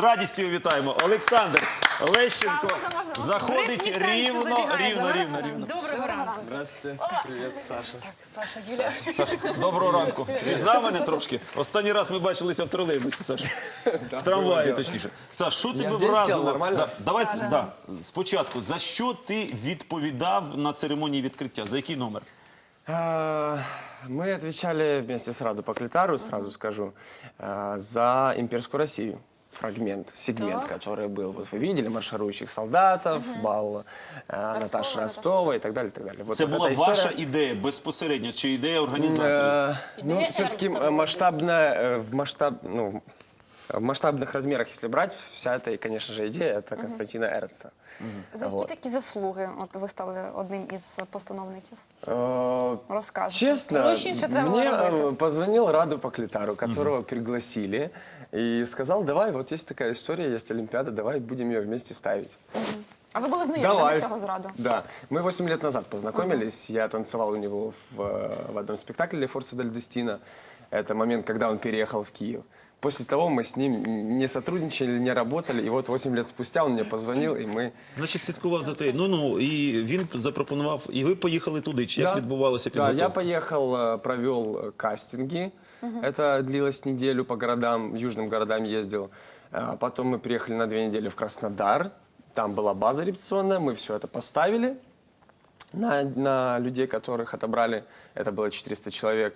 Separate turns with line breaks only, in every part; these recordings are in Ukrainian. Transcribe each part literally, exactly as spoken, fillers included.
радістю вітаємо. Олександр Лещенко
Так, можна, можна.
заходить
Ритм танцю
рівно,
забігає
рівно,
до нас.
рівно, рівно.
Доброго ранку.
Здравствуйте. Привет, Саша.
Так, Саша, Юля.
Саш, доброго ранку. Пізнав мене трошки? Останній раз ми бачилися в тролейбусі, Саш. В трамваї, точніше. Саш, що тебе
здесь сел,
вразило?
нормально?
Да, давай, да, спочатку, за що ти відповідав на церемонії відкриття? За який номер?
А, Мы отвечали вместе с Раду Поклитару, сразу скажу, а, за имперскую Россию. Фрагмент, сегмент, который был. Вот вы видели марширующих солдатов, бал а, Наташи Ростова и так далее, и так далее. Вот
Це
вот
була
эта
ваша
история.
ідея безпосередньо, чи ідея організаторів?
Э, Ну,
Идея
все-таки
Эрнста
масштабная, э, в масштаб, ну, в масштабных размерах, если брать, вся эта, конечно же, идея, это Константина Эрнста.
За які
Вот.
такі заслуги от ви стали одним із постановників?
Э,
Розкажете.
Честно,
Ну, ще що треба
мне
робити?
э, позвонил Раду Поклитару, которого пригласили, и сказал, давай, вот есть такая история, есть Олимпиада, давай будем ее вместе ставить.
А ви були знайомі
Давай.
до цього зраду?
Да. Мы восемь лет назад познакомились, я танцевал у него в, э, в одном спектакле «Le Forza del Destino». Это момент, когда он переехал в Киев. После того мы с ним не сотрудничали, не работали, и вот восемь лет спустя он мне позвонил, и мы...
Значить, слідкував за те. Ну-ну, і він запропонував, і ви поїхали туди. Чи як відбувалося
Да,
підготовка?
я поехал, э, провел э, кастинги. Это длилось неделю по городам, южным городам ездил. А Потом мы приехали на две недели в Краснодар. Там была база репетиционная, мы все это поставили на, на людей, которых отобрали. Это было четыреста человек.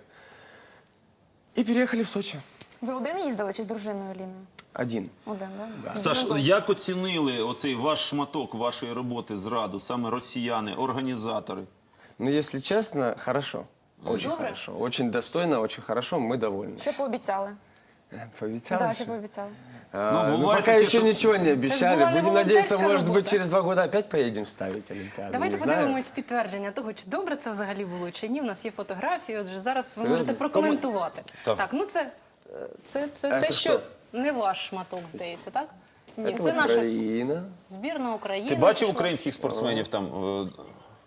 И переехали в Сочи.
Ви один їздили чи з дружиною Ліною?
Один.
Один, да?
Саш, як оцінили оцей ваш шматок вашої роботи зраду, саме росіяни, організатори?
Ну, если честно, хорошо. Очень
Добре.
хорошо. Очень достойно, очень хорошо. Мы довольны.
Що пообіцяли?
Пообещал
Так,
еще?
що пообіцяли?
А,
Ну,
ну,
бывает
пока
такие,
еще
что-
ничего не обещали.
была не
Будем надеяться,
волонтерская
может быть,
работа.
через два года опять поедем ставить Олимпиаду.
Давайте
не знаю.
подивимось підтвердження того, чи добре це взагалі було, чи ні. У нас є фотографії, отже, зараз ви
Серйозно?
можете прокоментувати.
Так.
Так, ну це, е, це, це
А
те,
це
що
що?
не ваш шматок, здається, так? Ні,
Это
це наша
Украина.
збірна України.
Ти бачив
пішла.
українських спортсменів там? е,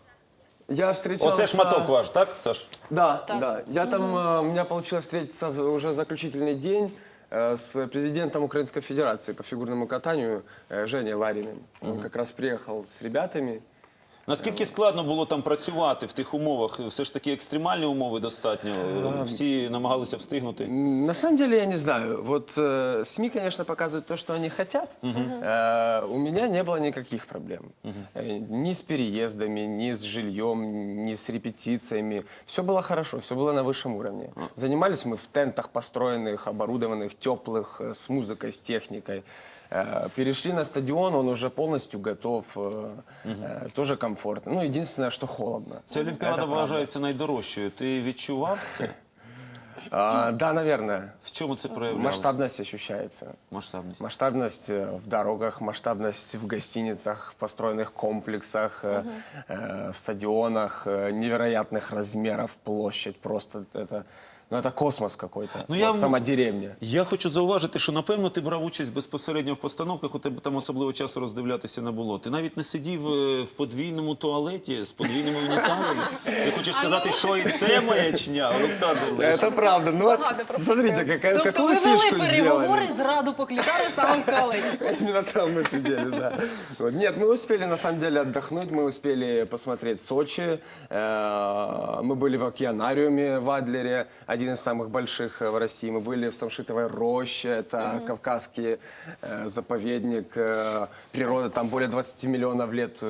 Я встречался...
Оце шматок ваш, так, Саш?
Да, да. Я там, э, у меня получилось встретиться в- уже заключительный день э, с президентом Украинской Федерации по фигурному катанию э, Женей Лариным. Он как раз приехал с ребятами.
Наскільки складно було там працювати в тих умовах? Все ж таки екстремальні умови достатньо. Всі намагалися встигнути.
М, На самом деле я не знаю. Вот э, СМИ, конечно, показывают то, что они хотят. Э, у меня не было никаких проблем. Э, ни с переездами, ни с жильем, ни с репетициями. Все было хорошо, все было на высшем уровне. Занимались мы в тентах построенных, оборудованных, теплых, э, с музыкой, с техникой. Э, Перешли на стадион, он уже полностью готов, э, э, тоже комфортно. Ну, единственное, что холодно.
Ця Олімпіада
Это правда.
вважається найдорожчою. Ти відчував це?
А, да, наверное.
В чому це проявлялося?
Масштабность ощущается.
Масштабність.
Масштабность э, в дорогах, масштабность в гостиницах, в построенных комплексах, э, э, в стадионах, э, невероятных размеров, площадь просто это, ну, это космос какой-то.
Ну, я
Вот
в-
сама деревня.
Я хочу зауважити, що, напевно, ти брав участь безпосередньо в постановках, у тебе там особливо часу роздивлятися не було. Ти навіть не сидів е, в подвійному туалеті з подвійними унітазами. Я хочу сказати, що і це маячня, Олександр Лещенко.
Это правда. Ну, вот,
Багато пропустил.
смотрите, какая,
Тобто
какую
ви вели
фишку
переговори
сделали.
з Раду Поклітару саме в туалеті.
Именно там мы сидели, да. Вот. Нет, мы успели на самом деле отдохнуть, мы успели посмотреть Сочи, э, мы были в океанариуме в Адлере, один из самых больших в России, мы были в Самшитовой роще, это кавказский э, заповедник, э, природа там более двадцати миллионов лет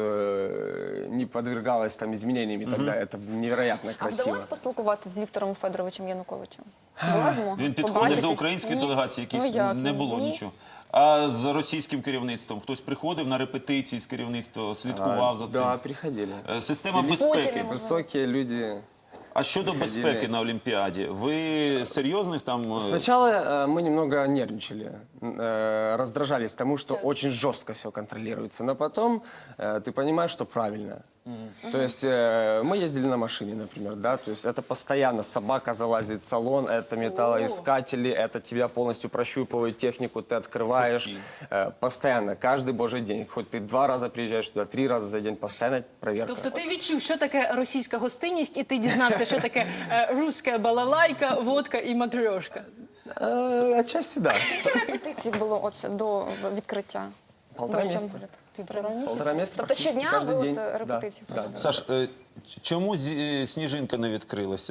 э, не подвергалась там изменениями тогда, это невероятно
А
красиво.
вдалося поспілкуватися з Віктором Федоровичем Януковичем? Була змога?
Він підходив
Побачитись?
до української
Ні?
делегації,
Ну,
якісь
як?
не було
Ні?
нічого. А з російським керівництвом хтось приходив на репетиції з керівництва, слідкував за цим.
Да, приходили.
Е, Система безпеки.
Путіним.
Высокие люди.
А щодо безпеки на Олімпіаді, ви серйозних там... е,
Сначала э, мы немного нервничали, э, раздражались тому, что очень жестко все контролируется, но потом э, ты понимаешь, что правильно. То есть э, мы ездили на машине, например, да, то есть это постоянно собака залазит в салон, это металлоискатели, это тебя полностью прощупывают технику, ты открываешь. Э, постоянно, каждый божий день, хоть ты два раза приезжаешь туда, три раза за день, постоянно проверка.
Тобто ти відчув, що таке російська гостинність, і ти дізнався, що таке е, руська балалайка, водка і матрьошка.
Э, Отчасти да.
Скільки репетицій було от до відкриття?
Полтора
Вищого
месяца.
балету? Півтора місяця?
Полтора месяца
Тобто
практически
щодня
каждый
ви
день.
от
Да,
репетиції
да.
проводили?
Саш, е, чому зі- сніжинка не відкрилася?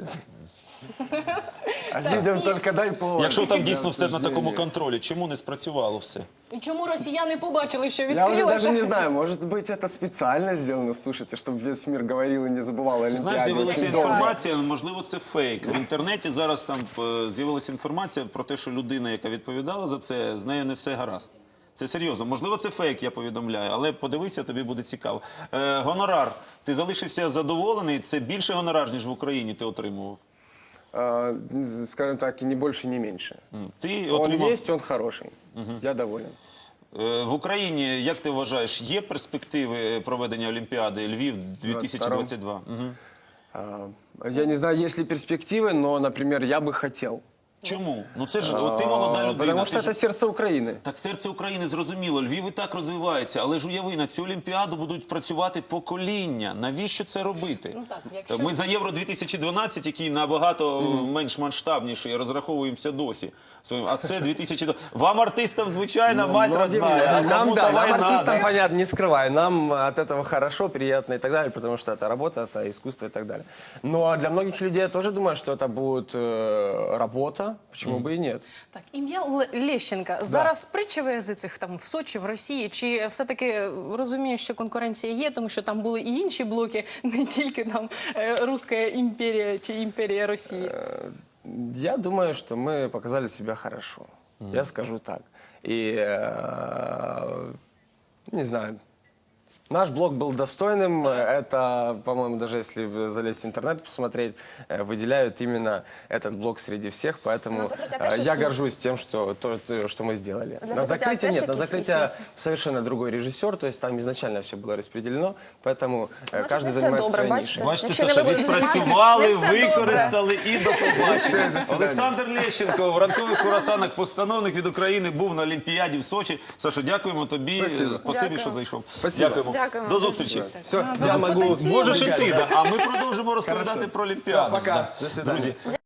А людям только дай повод.
Якщо там дійсно
Да,
все на
к
такому
сожалению.
контролі, чому не спрацювало все?
І чому росіяни побачили, що
Я уже даже
відкрилося?
не знаю, может быть, это специально сделано, слушайте, чтобы весь мир говорил и не забывал о
Знаєш,
Олимпиаде.
з'явилася
очень долго.
інформація, можливо, це фейк. В інтернеті зараз там е, з'явилася інформація про те, що людина, яка відповідала за це, з нею не все гаразд. Це серйозно. Можливо, це фейк, я повідомляю, але подивися, тобі буде цікаво. Е, гонорар. Ти залишився задоволений? Це більше гонорар, ніж в Україні ти отримував?
А, скажем так, и не больше, не меньше.
М. Ти
Он
отримав...
есть, он хороший. Я доволен.
Е, В Україні, як ти вважаєш, є перспективи проведення Олімпіади Львів дві тисячі двадцять два? Мгм.
А, Я не знаю, есть ли перспективы, но, например, я бы хотел.
Чому? Ну це ж от ти молода
А,
людина.
Потому
ти
что
ж-
это сердце Украины.
Так серце України зрозуміло, Львів і так розвивається, але ж уяви, на цю Олімпіаду будуть працювати покоління. Навіщо це робити?
Ну так, якщо-
Ми за Євро дві тисячі дванадцять, який набагато менш масштабніший, розраховуємося досі. Своїм. А це дві тисячі двадцять. Вам, артистам, звичайно, мать
Многим-
родная, а
нам,
кому-то
да, нам
война.
артистам,
да?
понятно, не скрываю, нам от этого хорошо, приятно и так далее, потому что это работа, это искусство и так далее. Но для многих людей я тоже думаю, что это будет э, работа, почему бы и нет.
Так, ім'я Ле- Лещенка. Зараз притча в язицях там в Сочі, в Росії, чи все-таки розумієш, що конкуренція є, тому що там були і інші блоки, не тільки там е, Руська імперія чи імперія Росії.
Я думаю, что мы показали себя хорошо. Я скажу так. И, э, не знаю, наш блог был достойным. Это, по-моему, даже если залезть в интернет посмотреть, э, выделяют именно этот блог среди всех. Поэтому
На закрытие
э,
опять
я
же
горжусь тем, что, то, то, что мы сделали.
Для
На
закрытия
закрытие
опять
нет,
же
на
какие-то
закрытие совершенно другой режиссер. То есть там изначально все было распределено. Поэтому э, каждый
не все
занимается
добре,
своей
бачите?
нишей.
Бачите,
Якщо не
Саша,
ви будете
відпрацювали,
знімати, не все
використали і до побачення.
Все, до
Олександр Лещенко в ранкових курасанах, постановник від України, був на Олімпіаді в Сочі. Саша, дякуємо тобі.
Спасибо.
Спасибі,
Дякую.
що зайшов.
Спасибо.
Дякуємо.
Дякуємо.
До зустрічі.
Все,
А,
я
зараз
могу...
потанцюємо.
Можеш іти, да. А ми продовжуємо розповідати
Хорошо.
про Олімпіаду.
Все, пока.
Да.
До свидания.
Друзі,